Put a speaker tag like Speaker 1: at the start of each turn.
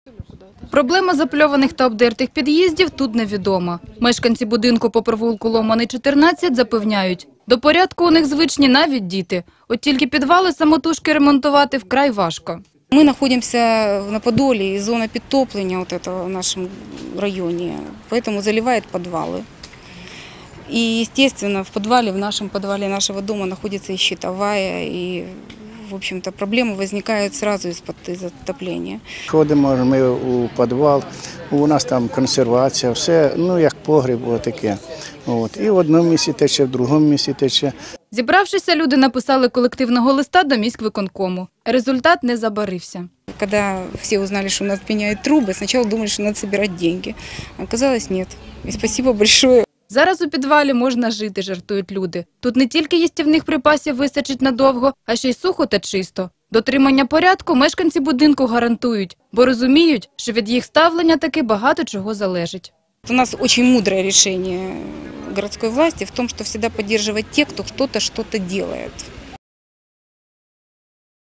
Speaker 1: Проблема запльованих та обдертих під'їздів тут невідома. Мешканці будинку по провулку Ломаний, 14 запевняють, до порядку у них звичні навіть діти. От тільки підвали самотужки ремонтувати вкрай важко.
Speaker 2: Мы находимся на Подоле, и зона подтопления вот этого в нашем районе, поэтому заливает подвалы. И, естественно, в нашем подвале нашего дома находится и щитовая, и, в общем-то, проблемы возникают сразу из-за отопления.
Speaker 3: Ходимо ми у підвал, у нас там консервація, все, як погріб, таке. І в одному місці тече, в другому місці тече.
Speaker 1: Зібравшися, люди написали колективного листа до міськвиконкому. Результат не забарився.
Speaker 2: Когда все узнали, что у нас пеняют трубы, сначала думали, что надо собирать деньги. Оказалось, нет. И спасибо большое.
Speaker 1: Зараз у підвалі можна жити, жартують люди. Тут не тільки їстівних припасів вистачить надовго, а ще й сухо та чисто. Дотримання порядку мешканці будинку гарантують, бо розуміють, що від їх ставлення таки багато чого залежить.
Speaker 2: У нас очень мудрое решение городской власти в том, что всегда поддерживать тех, кто что-то делает.